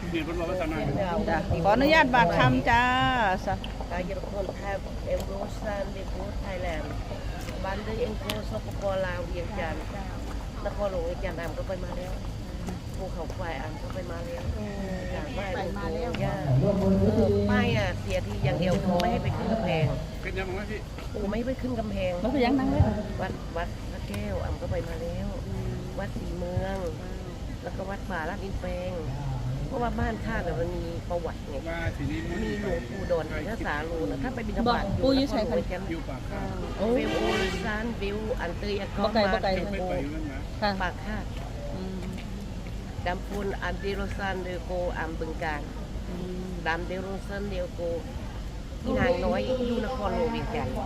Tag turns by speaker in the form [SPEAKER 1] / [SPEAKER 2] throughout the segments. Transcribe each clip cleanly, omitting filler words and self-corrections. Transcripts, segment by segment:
[SPEAKER 1] เนี่ยคนบอกว่าสนาม
[SPEAKER 2] จ้ะขออนุญาตบาดคำจ้า
[SPEAKER 3] กายรคนไทยเอ็มโรซันเดโกไทยแลนด์บ้านเดเอ็นโกสปปลาวเวียงจันทร์นครหลวงเวียงจันทร์ก็ไปมาแล้วภูเขาไฟก็ไปมาแล้วจากบ้านมาแล้วย่าไม่อ่ะเสียทีอย่างเดียวคือไม่ให้ไปขึ้นกำแพง
[SPEAKER 1] เป็นยังไงพี่
[SPEAKER 3] กูไม่ไปขึ้นกำแพง
[SPEAKER 2] มันเป็นยังนั่งเลย
[SPEAKER 3] วัดพระแก้วก็ไปมาแล้ววัดศรีเมืองแล้วก็วัดป่าลาดอินแปลงเพราะว่าบ้านข้าเนี่ยมันมีประวัติไง
[SPEAKER 1] ว่าทีนี้
[SPEAKER 3] มีหลวงปู่ดอนถ้าสาลูนะถ้าไปบิณฑบาต
[SPEAKER 2] ปูอยู่ใส่กัน
[SPEAKER 1] อยู่ปากข้าว
[SPEAKER 3] วิวโอลิซานวิวอันเตยก็
[SPEAKER 2] บ่ไกล
[SPEAKER 3] มา
[SPEAKER 2] บ่ไกล
[SPEAKER 3] เท
[SPEAKER 1] ไป
[SPEAKER 3] โก
[SPEAKER 1] ไปอยู่นั่นนะ
[SPEAKER 2] ค่ะ
[SPEAKER 3] ปากคาดดำพูนอันเดโรซันเดโกอัมบึงการดำเดโรซันเดโกที่นางน้อยอยู่นครหลวงเวียงจันทร์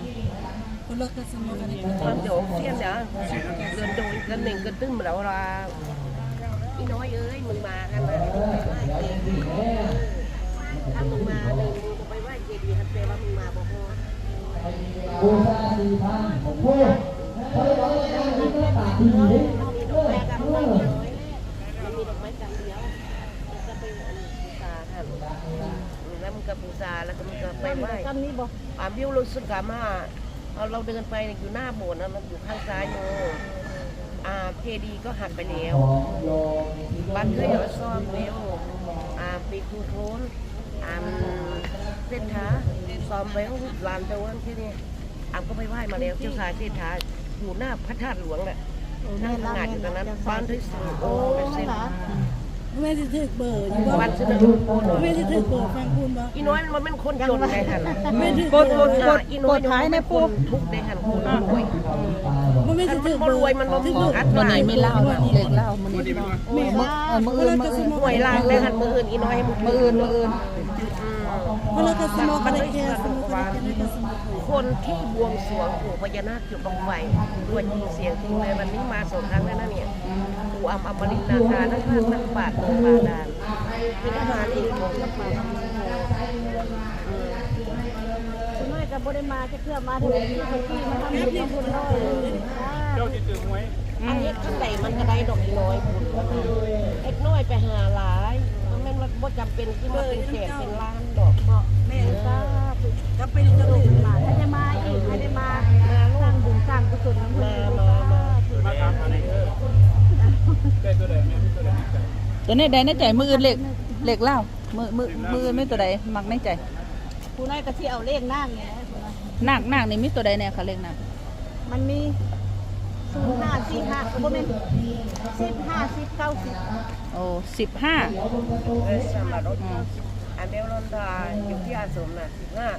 [SPEAKER 3] ความเดี๋ยวเสี้ยนเดี๋ยวเดินโดยกันหนึ่งกันตึ้มแล้วเราอีน้อยเอ้ยมึงมากันนะถ้ามึงมาหนึ่งมึงก็ไปไหว้เจดีย์ฮัตเตว่ามึงมาบอกว่าบูชาสีพานของพวกมีดอกไม้กำลังมีดอกไม้กำเดียวจะไปบูชาค่ะแล้วมึงก็บูชาแล้วก็มึงก็ไปไหว้วิวรู้สึกกามาเราเดินไปอยู่หน้าโบสถ์นะมันอยู่ข้างซ้ายมือเจดีย์ก็หักไปแล้วบ้านเคยเอาซ่อมเวลปีคูโทนเส้นท้าซ้อมเวลลานตะวันที่นี่ก็ไปไหว้มาแล้วเจ้าชายเส้นท้าอยู่หน้าพระธาตุหลวงแหละนั่งทำงานอยู่ตรงนั้นบ้านที่สุดโอ้เป็นเส้น
[SPEAKER 4] แม่จะถึกเบอร์อยู่บ่
[SPEAKER 3] บ้านสุดลูกโอ้โห
[SPEAKER 4] แม่จะถึกเบอร์ฟังคุณบ่
[SPEAKER 3] อีน้อยมันเป็นคนจนไงท่าน
[SPEAKER 4] แม่ถึก
[SPEAKER 2] กด
[SPEAKER 4] เบอร์
[SPEAKER 3] อีน้อยท้ายในปูทุกในหันคนรวย
[SPEAKER 4] แม่จะถึก
[SPEAKER 3] คน
[SPEAKER 4] เบอ
[SPEAKER 3] ร
[SPEAKER 4] ร์
[SPEAKER 3] วยมันบ่มีอัด
[SPEAKER 2] วัน
[SPEAKER 3] มา
[SPEAKER 2] นี้ไม่เล่านะเล็กเล่ามัน
[SPEAKER 1] วันนี้มันว่า
[SPEAKER 4] แม่ล่า
[SPEAKER 2] มืออื่น
[SPEAKER 3] หวยลางในหันมืออื่นอีน้อยให้มึง
[SPEAKER 2] มืออื่น
[SPEAKER 4] เพราะเราก็สมองกันได้แค่สมองกันได้แค่สมอง
[SPEAKER 3] คนที่บวงสรวงปู่พญานาคจุดบังไฟตัวจริงเสียงจริงเลยวันนี้มาสองครั้งแล้วนะเนี่ยปู่อมรินทร์นาคานักพากย์นักปราชญ์เมืองบาดาลมีทหารอีกของนักปราชญ์คุณน้อยกับบริมาจะเพื่อมาถึงที่คนที่มาทำบุญทำบุญน้อย
[SPEAKER 1] เจ้าที่ตื่นไว้
[SPEAKER 3] อันนี้ข้างในมันก็ได้ดอกน้อยบุญแล้วนะเอ็กน้อยไปหาหลายมันไม่ว่าจำเป็นที่ว่าเป็นแสนเป็นล้านดอกแม่ทราบ
[SPEAKER 4] ก็ไปจะถึงมาถ้าจะมาอีกให้ได้มาสร้างบุญสร้างกุศลน้ำมัน
[SPEAKER 1] มาตามอะไรได้ตัวใดแม่ตัวใดไม่ใจ
[SPEAKER 2] ตัวนี้ใดในใจมืออื่นเล็กเล่ามือไม่ตัวใดมักในใจ
[SPEAKER 4] ผู้น้อยก็ที่เอาเลขนั่งไง
[SPEAKER 2] นักนี่มีตัวใดแน่ค่ะเล็กนัก
[SPEAKER 4] มันมี0545บ่แม่น15 10 90
[SPEAKER 2] โอ้15
[SPEAKER 3] สมารถอันเดลลอนดาอยู่ที่อาสมน่ะ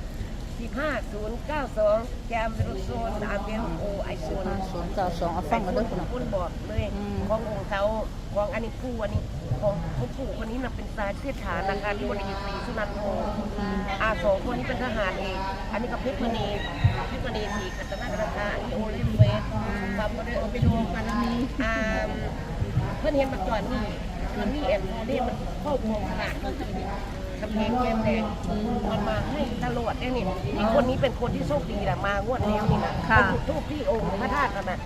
[SPEAKER 3] 15 092แกมเบลโซนอันเดลโอไอโซน
[SPEAKER 2] 092เอาฟังกันเด้อคุณ
[SPEAKER 3] คุณบอกเลยขององค์เขาของอันนี้ผู้อันนี้ของผู้ปู่คนนี้น่ะเป็นสายเสียฐานนะคะที่บริษัทศรีสุนันโทสองคนนี้เป็นทหารเองอันนี้ก็เพชรมณีศรีกัตนากราชาอันนี้โอเลมเวสความบริสุทธิ์ไปดูกันเพื่อนเห็นมาก่อนนี่มันมีแอนโทนี่มันเข้าโครงขนาดกำแพงแก้มแดงมันมาให้ตลอดเนี่ยนี่อีกคนนี้เป็นคนที่โชคดีแหละมางวดแล้วนี่นะจุดทูปที่องค์พระธาตุกันนะ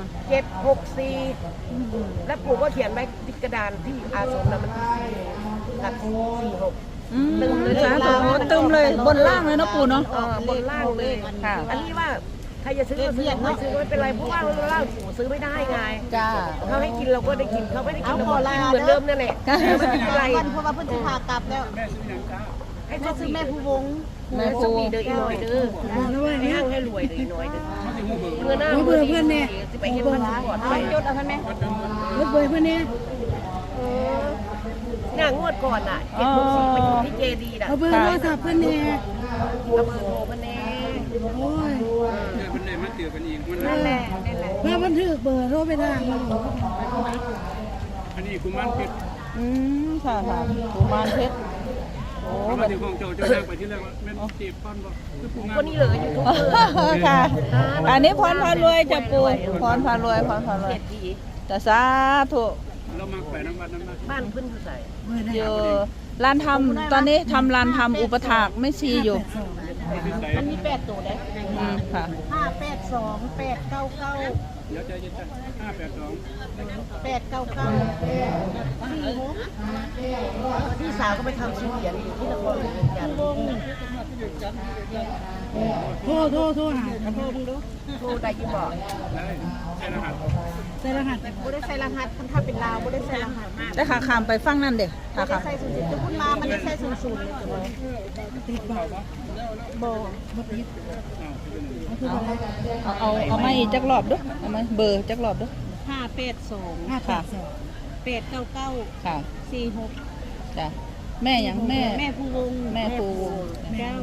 [SPEAKER 3] 764แล้วปู่ก็เขียนไว้ติดกระดานที่อาสมนะมันกับ46
[SPEAKER 2] ตึมเลยจ้าตึมเลยบนล่างเลยเนาะปู่เนาะ
[SPEAKER 3] บนล่างเลย
[SPEAKER 2] ค่ะ
[SPEAKER 3] อันนี้ว่าใครจะซื้อก็ซื้อไม่ซื้อก็ไม่เป็นไรเพราะว่าเราซื้อไม่ได้ไง
[SPEAKER 2] จ้า
[SPEAKER 3] เขาให้กินเราก็ได้กินเขาไม่ได้กินเราก็กินเหมือนเดิมนั่นแหละไม่เป็นไร
[SPEAKER 4] วันเพราะว่าเพิ่นสิพากลับแล้ว
[SPEAKER 1] แม่ซื้อยังจ้า
[SPEAKER 3] ให้
[SPEAKER 4] แม่
[SPEAKER 3] เขา
[SPEAKER 4] ซื้
[SPEAKER 3] ซื้
[SPEAKER 4] อ
[SPEAKER 3] อ
[SPEAKER 4] แม่
[SPEAKER 3] แม่
[SPEAKER 4] ผู้วง
[SPEAKER 3] แม่สุปีเด้ออีน้อยเด้อให้ห้างให้รวยเด้ออีน้อยเด้อ
[SPEAKER 1] เขาจะงูเบอร์
[SPEAKER 3] เมื่อหน้าเมื่อเพื่อนเนี่ยจะไปเห็นพันธุ์ก่อนไปยศเอาท่านแม่
[SPEAKER 4] รถเบยเพิ่นเนี่ย
[SPEAKER 3] เนี่ยงวดก่อนอ่ะ764ไปอยู่ที่เจดีน่ะ
[SPEAKER 4] เอาเบอร์โทรศัพท์เพิ่นเนี่ย
[SPEAKER 3] เอาเบอร์โทรมาแน่
[SPEAKER 4] โอ้ย
[SPEAKER 1] เจอเป็นไหนมาเตือนกันอีกมัน
[SPEAKER 3] นั่นแหละนั่นแหละ
[SPEAKER 4] เพื่อบันทึกเบอร์โทรไปทาง
[SPEAKER 1] อันนี้คุณมันผิด
[SPEAKER 2] ค่ะกุมารเพชรโอ้
[SPEAKER 1] มาถึงห้องเจ้าเจ้านั่งไปที่แรกว่าแม่จีบป้อนบอกคือปูงาน
[SPEAKER 3] คนนี้เลยยูทูบเบอร์
[SPEAKER 2] ค่ะ อันนี้พรพารวยจะปู่พรพารวย
[SPEAKER 3] เศรษฐี
[SPEAKER 2] จะสาธุ
[SPEAKER 1] เรามาไปน้ำมันน้ำมัน
[SPEAKER 3] บ้านเพิ่นอยู่ใส่
[SPEAKER 2] อยู่ร้านทำตอนนี้ทำร้านทำอุปถากไม่ซีอยู่
[SPEAKER 3] มันมี8ตัวได้
[SPEAKER 2] ค่ะ
[SPEAKER 4] 582 899
[SPEAKER 1] เดี๋ยวใจเย็นๆ582
[SPEAKER 3] พี่สาวก็ไปทำชิ้นเหรียญอยู่ที่นครหลวงเหมือนกัน
[SPEAKER 4] โทรหาโทรมึงดู
[SPEAKER 3] โทรได้ยี่บอก
[SPEAKER 1] ได้ใช่รหัส
[SPEAKER 4] ใส่รหัสบ่ได้ใส่รหัสคันถ้าเป็นลาวบ่ได้ใส่รหัส
[SPEAKER 2] ได้ขาขามไปฟังนั่นเด้ขา
[SPEAKER 4] บ่ได้
[SPEAKER 2] ขาม
[SPEAKER 4] ใส่00จะพูดมามันได้ใส่00เลยจ้ะติดบ่บ่ติด
[SPEAKER 2] เอามาอีกจักรอบเด้อเอามาเบอร์จักรอบเด้อ
[SPEAKER 4] 582
[SPEAKER 2] ค่ะ
[SPEAKER 4] 899
[SPEAKER 2] ค่ะ
[SPEAKER 4] 46
[SPEAKER 2] จ้ะแม่หยังแม่
[SPEAKER 4] แม่ผู้วง
[SPEAKER 2] แม่ปู
[SPEAKER 4] เจ้า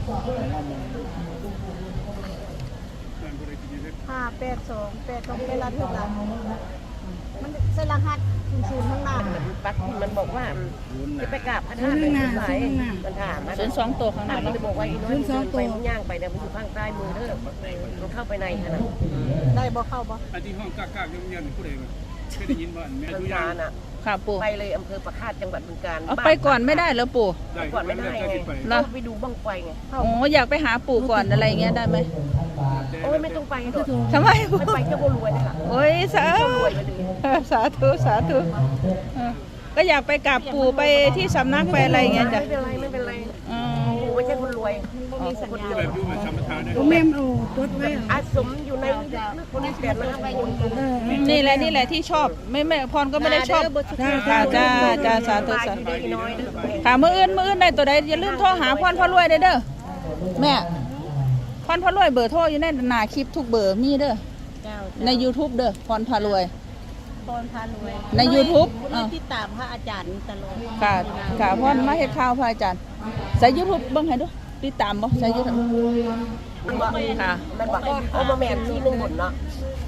[SPEAKER 4] 582 8ต้องเป็นรหัสหลังมันใส่รหัส00ข้างหน้า
[SPEAKER 3] ปักมันบอกว่าจะไปกราบพระธาตุไหนมันถามมัน
[SPEAKER 2] 02ตัวข้างหน้า
[SPEAKER 3] มัน
[SPEAKER 2] เนาะ
[SPEAKER 3] จะบอกว่าอีน้อยเดินไปมันย่างไปเนี่ยมันอยู่ข้างใต้มือเด้อมันเข้าไปในขนาด
[SPEAKER 4] ได้บ่เข้าบ่
[SPEAKER 1] อันที่ห้องกากๆเงียบๆผู้ใดมาเคยได้ยินบ่แม่
[SPEAKER 3] มัน
[SPEAKER 1] ทุกอย่า
[SPEAKER 3] พาง น่ะ
[SPEAKER 2] ค่ะปู่
[SPEAKER 3] ไปเลยอำเภอประคาตจังหวัดบึงกาฬ
[SPEAKER 2] เอาไปก่อนไม่ได้เหรอปู่
[SPEAKER 1] ได้
[SPEAKER 3] ก่อนไม่ได้ไง
[SPEAKER 1] ขึ้นไป
[SPEAKER 2] เหรอ
[SPEAKER 3] ไปดูบ้างไฟไง
[SPEAKER 2] อ๋ออยากไปหาปู่ก่อนอะไรเงี้ยได้ไหม
[SPEAKER 3] โอ้ยไม่ต้องไปหรอก
[SPEAKER 2] ทำไม
[SPEAKER 3] ไม่ไปเจ้าก็รวยนะคะ
[SPEAKER 2] โอ้ยสาสาธุสาธุเออก็อยากไปกราบปู่ไปที่สำนักไปอะไรเงี้ยจ้ะ
[SPEAKER 3] ไม่เป็นไรไม่เป็นไร
[SPEAKER 2] อ๋อ
[SPEAKER 3] ปู่ไม่ใช่คนรวย
[SPEAKER 4] มีสัญญา
[SPEAKER 1] แบบอยู่แบบธรรมทานได้
[SPEAKER 4] แม่เอาจดไว้
[SPEAKER 3] อาสมอยู่ในคนเปลี่ยนนะครับ
[SPEAKER 2] นี่แหละที่ชอบไม่พรก็ไม่ได้ชอบค่ะจ้าสาธุสาธุ
[SPEAKER 3] ดีน้อยนะ
[SPEAKER 2] ค่ะมื้ออื่นได้ตัวใดอย่าลืมโทรหาพรพ่อรวยเด้อแม่พรพ่อรวยเบอร์โทรอยู่ในหน้าคลิปทุกเบอร์มีเด้อ
[SPEAKER 4] เจ้า
[SPEAKER 2] ใน YouTube เด้อพรพารวย
[SPEAKER 4] พรพารวย
[SPEAKER 2] ใน YouTube
[SPEAKER 4] เราติดตามพระอาจารย์ตลอด
[SPEAKER 2] ค่ะพรมาเฮ็ดข่าวพระอาจารย์ใส่ YouTube เบิ่งให้ดูติดตามบ่ใส่ YouTube ค่ะ
[SPEAKER 3] มันบอกเอามาแมนที่หนึ่งบนเนาะ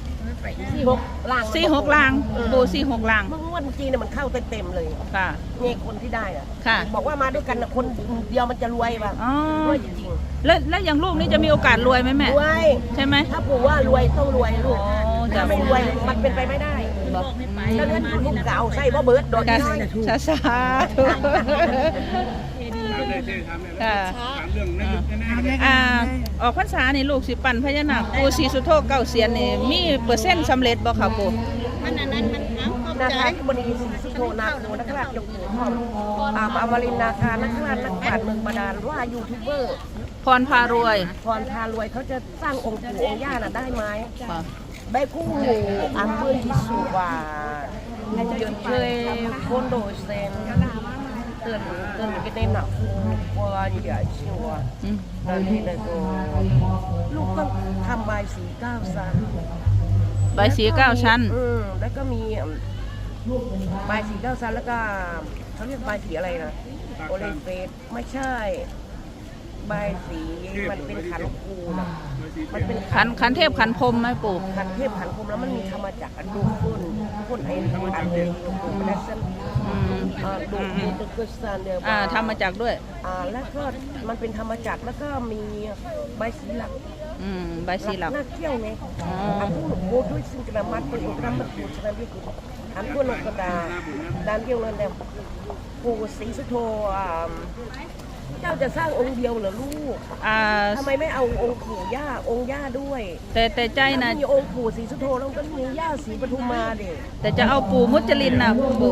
[SPEAKER 3] 46ล่าง
[SPEAKER 2] 46ลางปู46ลาง
[SPEAKER 3] เมื่อวันจีนเนี่ยมันเข้าเต็มเลย
[SPEAKER 2] ค่ะ
[SPEAKER 3] เนี่ยคนที่ได้อะ
[SPEAKER 2] ค่ะ
[SPEAKER 3] บอกว่ามาด้วยกันนะคนเดียวมันจะรวยป่ะ
[SPEAKER 2] อ๋อ
[SPEAKER 3] รวยจริง
[SPEAKER 2] แล้วอย่างลูกนี่จะมีโอกาสรวยไหมแม่
[SPEAKER 3] ๆรวย
[SPEAKER 2] ใช่ไหม
[SPEAKER 3] ถ้าปู่ว่ารวยต้องรวยลูก
[SPEAKER 2] อ๋อจ้ะ
[SPEAKER 3] ถ้าไม่รวยมันเป็นไปไม่ได้
[SPEAKER 2] บอก
[SPEAKER 3] แล้วนั้นลูกเก่าใส่บ่เบิร์ดโดน
[SPEAKER 2] จ้า
[SPEAKER 3] น้อย
[SPEAKER 2] สาธุ
[SPEAKER 1] ถามได้เท่ถามได้
[SPEAKER 2] ค่ะ
[SPEAKER 1] ถามเรื่องนั้นแน่ๆ
[SPEAKER 2] ออกพรรษานี่ลูกสิปั่นพญานาคปู่ศรีสุโธเก้าเสียนนี่มีเปอร์เซ็นต์สำเร็จบ่ค่ะปู่
[SPEAKER 4] มันอันนั้นมันเอาเข้า
[SPEAKER 3] นา
[SPEAKER 4] ใจ
[SPEAKER 3] คาธิบดีศรีสุโธนาโคนักราชยกหูพ่ออมรินทร์นาคานักราชนักปราชญ์เมืองบาดาลว่ายูทูบเบอร์
[SPEAKER 2] พรพารวย
[SPEAKER 3] พรพารวยเขาจะสร้างองค์ปู่องค์ย่าน่ะได้ไหม
[SPEAKER 2] ค่ะ
[SPEAKER 3] ได้คู่หมู่อัมเบอร์ที่สุวายังเคยคนโดยเซนเตือนกันได้หนักว่าอย่าเชื่อว่า
[SPEAKER 2] อืม
[SPEAKER 3] นั่นนี่นะก็ลูกต้องทำใบสี9ชั้น
[SPEAKER 2] ใบสี9ชั้น
[SPEAKER 3] แล้วก็มีใบสี9ชั้นแล้วก็เขาเรียกใบสีอะไรนะโอเลนเฟสไม่ใช่ใบสีมันเป็นขันครูนะมันเป็น
[SPEAKER 2] ขันเทพขันพรหมไหมปู่
[SPEAKER 3] ขันเทพขันพรหมแล้วมันมีธรรมจักรอันดูพุ่นไอ้อันเดียวมันได้เส้น
[SPEAKER 2] อืม
[SPEAKER 3] ดูตุกุสานเดียว
[SPEAKER 2] ทำมาจากด้วย
[SPEAKER 3] แล้วก็มันเป็นธรรมจักรแล้วก็มีใบสีหลัก
[SPEAKER 2] ใบสีหลัก
[SPEAKER 3] น่าเที่ยวไงอันผู้โบด้วยสิ่งกระมัดเป็นอุตรมัดปูชนะวิกุลอันผู้นกดาดานเดียวนั่นแหละปู่ศรีสุโธเจ้าจะสร้างองค์เดียวเหรอลูกทำไมไม่เอาองค์ปู่ย่าองค์ย่าด้วย
[SPEAKER 2] แต่ใจนะ
[SPEAKER 3] มีองค์ปู่ศรีสุโธแล้วก็มีย่าศรีปทุมมาดิ
[SPEAKER 2] แต่จะเอาปู่มุจลินนะปู่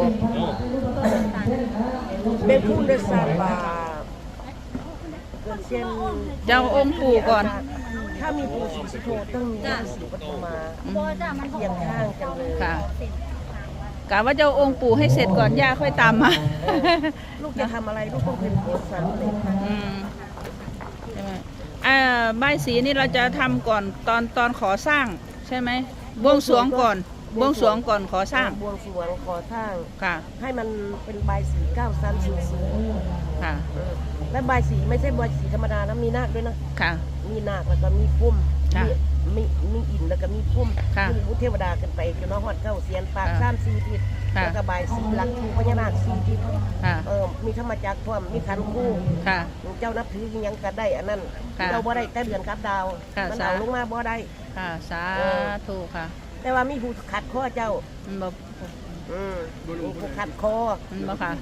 [SPEAKER 3] เบคูเดซาบาเกิดเช่น
[SPEAKER 2] จะเอาองค์ปู่ก่อน
[SPEAKER 3] ถ้ามีปู่ศรีสุโธต้องมีย่าศรีปทุมมาเคียงข้างกันเลย
[SPEAKER 2] ค่ะกะว่าจะเอาองค์ปู่ให้เสร็จก่อนย่าค่อยตามมา
[SPEAKER 3] ลูกจะทำอะไรลูกต้องเป็นคนสำเร็จ
[SPEAKER 2] ใช่ไหมใบสีนี่เราจะทำก่อนตอนขอสร้างใช่ไหมบวงสรวงก่อนบวงสรวงก่อนขอสร้าง
[SPEAKER 3] บวงสรวงขอสร้าง
[SPEAKER 2] ค่ะ
[SPEAKER 3] ให้มันเป็นใบสี9ชั้นสูง
[SPEAKER 2] ค่ะ
[SPEAKER 3] และใบสีไม่ใช่ใบสีธรรมดานะมีนาคด้วยนะ
[SPEAKER 2] ค่ะ
[SPEAKER 3] มีนาคแล้วก็มีพุ่ม
[SPEAKER 2] ค่ะ
[SPEAKER 3] มีอินแล้วก็มีพุ่ม
[SPEAKER 2] ค่ะ
[SPEAKER 3] มีพุทธเทวดากันไปจนน้องฮอดเก้าเสียนปาก
[SPEAKER 2] ค่ะ
[SPEAKER 3] 3-4ทิศ
[SPEAKER 2] ค่ะ
[SPEAKER 3] แล้วก็ใบสีหลักทูพญานาค4ทิศ
[SPEAKER 2] ค่ะ
[SPEAKER 3] มีธรรมจักรพร้อมมีขันธ์คู่
[SPEAKER 2] ค่ะ
[SPEAKER 3] เจ้านับถืออิหยังก็ได้อันนั้น
[SPEAKER 2] ค่ะ
[SPEAKER 3] เราบ่ได้แต่เดือนกับดาว
[SPEAKER 2] ค่ะ
[SPEAKER 3] มัน
[SPEAKER 2] สา
[SPEAKER 3] เอาลงมาบ่ได้
[SPEAKER 2] ค่ะสาธุค่ะ
[SPEAKER 3] แต่ว่ามีผู้ขัดข้อเจ้า
[SPEAKER 2] มันบอก
[SPEAKER 3] มีผู้ขัดคอ
[SPEAKER 2] มันบอกค่ะ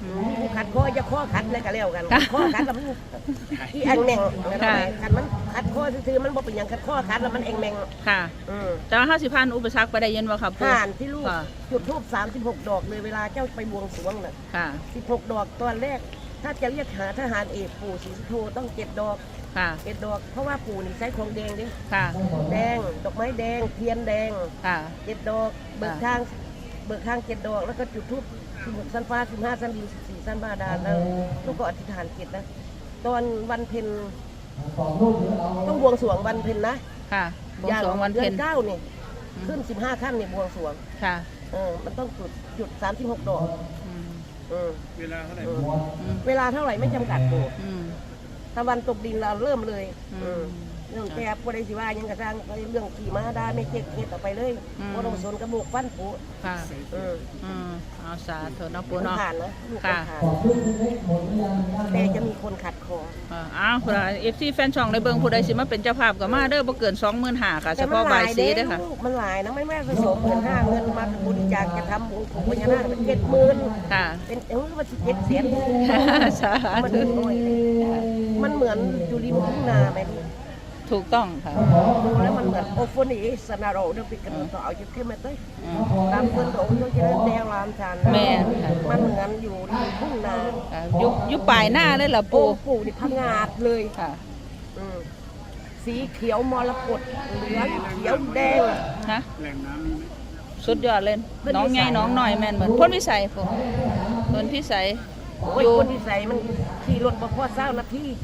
[SPEAKER 3] มีผู้ขัดข้อจะข้อขัดอะไรก็แล้วกันข้อขัดแล้วมันที่แองแมงขัดมันขัดข้อซื่อๆมันบ่เป็นอย่างขัดข้อขัดแล้วมันแองแมง
[SPEAKER 2] ค่ะแต่ว่า50,000อุปสรรคไปได้ยินบ่ครับปู่
[SPEAKER 3] ผ่านที่ลูกจุดธูป36 ดอกเลยเวลาเจ้าไปบวงสรวงน่ะ
[SPEAKER 2] ค่ะ
[SPEAKER 3] 16 ดอกตอนแรกถ้าจะเรียกหาทหารเอกปู่ศรีสุโธต้อง7 ดอก
[SPEAKER 2] ค่ะ
[SPEAKER 3] 7 ดอกเพราะว่าปู่นี่ใช้ของแดงดิ
[SPEAKER 2] ค่ะ
[SPEAKER 3] แดงดอกไม้แดงเทียนแดง
[SPEAKER 2] ค่ะ
[SPEAKER 3] 7 ดอกเบิกทาง7 ดอกแล้วก็จุดธูป16 สั้นฟ้า15 สั้นดิน14 สั้นบาดาลแล้วลูกก็อธิษฐานจิตนะตอนวันเพ็ญต้องบวงสรวงวันเพ็ญนะ
[SPEAKER 2] ค่ะบวงสรวงวันเพ็ญ
[SPEAKER 3] ดือ9นี่ขึ้น15 ค่ำนี่บวงสรวง
[SPEAKER 2] ค่ะ
[SPEAKER 3] มันต้องจุด36 ดอก
[SPEAKER 1] เวลาเท่าไหร่
[SPEAKER 3] เวลาเท่าไหร่ไม่จำกัดปู่
[SPEAKER 2] อืม
[SPEAKER 3] ถ้าวันตกดินเราเริ่มเลย เรื่อง
[SPEAKER 2] ค่ะ
[SPEAKER 3] แต่ปวดสิว่ายังกระซังเรื่องขี่ม้าได้ไม่เจ็บเข็ดออกไปเลยว่าต้องสนกระบอกฟันปู่
[SPEAKER 2] ค่ะเอาสาธุเนาะปู่
[SPEAKER 3] มัน
[SPEAKER 2] เนาะ
[SPEAKER 3] ผ่านนะลูก
[SPEAKER 2] ค่ะ
[SPEAKER 3] ผ่านแต่จะมีคนขัดคอ
[SPEAKER 2] อ้าวFC แฟนช่องในเบิงผู้ใดสิมาเป็นเจ้าภาพก็มาเด้อบ่เกิน 25,000ค่ะเฉ
[SPEAKER 3] แต่มัน
[SPEAKER 2] พาะ
[SPEAKER 3] ห
[SPEAKER 2] ใบ
[SPEAKER 3] ลาย
[SPEAKER 2] สี
[SPEAKER 3] เด้
[SPEAKER 2] เด้อค่ะ
[SPEAKER 3] ลูกมันหลายนะไม่แม่ผสม15,000เงินมาบริจาคจะทำบุญของพญานาคเป็น70,000
[SPEAKER 2] ค่ะ
[SPEAKER 3] เป็นว่า17 เสียน
[SPEAKER 2] สา
[SPEAKER 3] มัน
[SPEAKER 2] ธุ
[SPEAKER 3] น้อยมันเหมือนอยู่ริมทุ่งนาไหมลูก
[SPEAKER 2] ถูกต้องค่ะ
[SPEAKER 3] ดูแล้วมันเหมือนโอโฟนีสนาโรเดี๋ยวปิดกันต่อเอาจุดเข้มมาเต้ยตามเพื่อนโดนเขาจะเล่นแดงรามชัน
[SPEAKER 2] แม่นค่ะ
[SPEAKER 3] มันเหมือนอยู่ริมทุ่งนา
[SPEAKER 2] ยุปลายหน้าเลยเหรอ
[SPEAKER 3] ปู
[SPEAKER 2] ปู่
[SPEAKER 3] นี่พังงาดเลย
[SPEAKER 2] ค่ะ
[SPEAKER 3] สีเขียวมรกตเหลืองเขียวแดง
[SPEAKER 2] ฮะ
[SPEAKER 1] แหล่งน้ำมีไหม
[SPEAKER 2] สุดยอดเลย
[SPEAKER 3] เพิ่น
[SPEAKER 2] น้อง
[SPEAKER 3] วิสั
[SPEAKER 2] ใหญ่
[SPEAKER 3] ย
[SPEAKER 2] น้องหน่อยแม่นเหมือนพ้นวิสัยผมพ้นพิสัย
[SPEAKER 3] โอ้ยคนที่ใส่มันขี่รถบ่พอเศร้านาที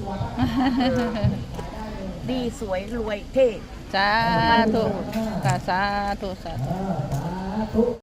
[SPEAKER 3] ดีสวยรวยเท่
[SPEAKER 2] สาธุค่ะสาธุสาธุ